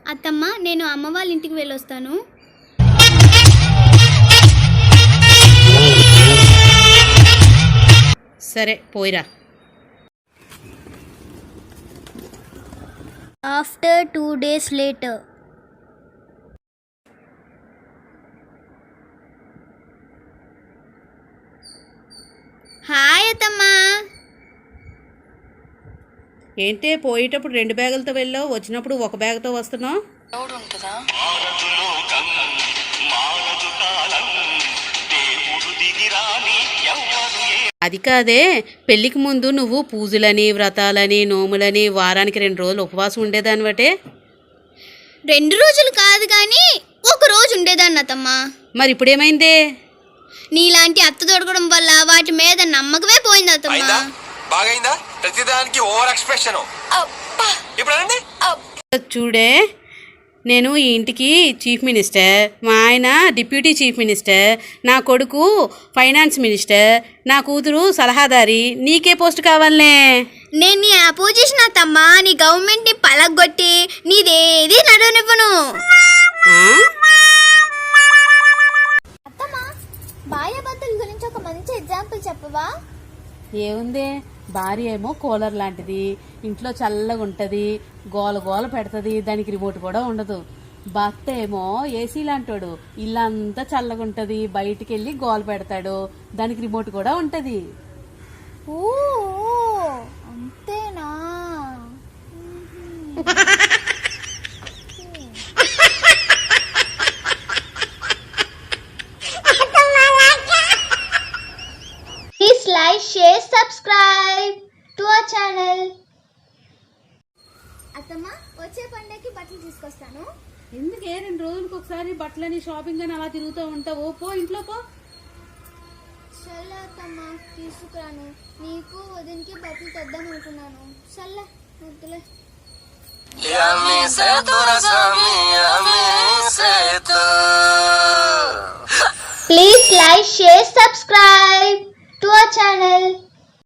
అత్తమ్మ నేను అమ్మ వాళ్ళ ఇంటికి వెళ్ళొస్తాను. సరే పోయిరా. After 2 days later. హాయ్ అత్తమ్మా. ఏంటే పోయేటప్పుడు 2 బ్యాగులతో వెళ్ళావు, వచ్చినప్పుడు 1 బ్యాగ్తో వస్తున్నావు? అది కాదే, పెళ్ళికి ముందు నువ్వు పూజలని వ్రతాలని నోములని వారానికి 2 రోజులు ఉపవాసం ఉండేదానివటే. 2 రోజులు కాదు కానీ 1 రోజు ఉండేదాన్ని అత్తమ్మా. మరి ఇప్పుడేమైందే? నీలాంటి అత్త దొరకడం వల్ల వాటి మీద నమ్మకమే పోయింది అత్తమ్మా. బాగైందా? ప్రతిదానికి ఓవర్ ఎక్స్ప్రెషన్. చూడే, నేను ఈ ఇంటికి చీఫ్ మినిస్టర్, మా ఆయన డిప్యూటీ చీఫ్ మినిస్టర్, నా కొడుకు ఫైనాన్స్ మినిస్టర్, నా కూతురు సలహాదారి. నీకే పోస్ట్ కావాలనే? నేను నీ అపోజిషన్ అత్తమ్మా. నీ గవర్నమెంట్ని పలగొట్టి నీదేది నడవనివ్వను. అత్తమ్మా, భార్యాభర్తల గురించి ఒక మంచి ఎగ్జాంపుల్ చెప్పవా? ఏముందే, భార్య ఏమో కూలర్ లాంటిది, ఇంట్లో చల్లగా ఉంటుంది, గోల గోల పెడుతుంది, దానికి రిమోట్ కూడా ఉండదు. భర్త ఏమో ఏసీ లాంటోడు, ఇల్లంతా చల్లగా ఉంటుంది, బయటికి వెళ్ళి గోల పెడతాడు, దానికి రిమోట్ కూడా ఉంటుంది. ఓ అంతేనా? Please like, share, subscribe to our channel. అత్తమ్మ, వచ్చే పండగకి బట్టలు తీసుకొస్తాను. ఎందుకే 2 రోజులకు ఒకసారి బట్టలని షాపింగ్ అని అలా తిరుగుతూ ఉంటావు? పో, ఇంట్లో పో. సర్లే అత్తమ్మ, తీసుకురాను. నీకు వదినికి బట్టలు తెద్దాం అనుకున్నాను. సర్లే వద్దులే. Please like, share, subscribe to our channel.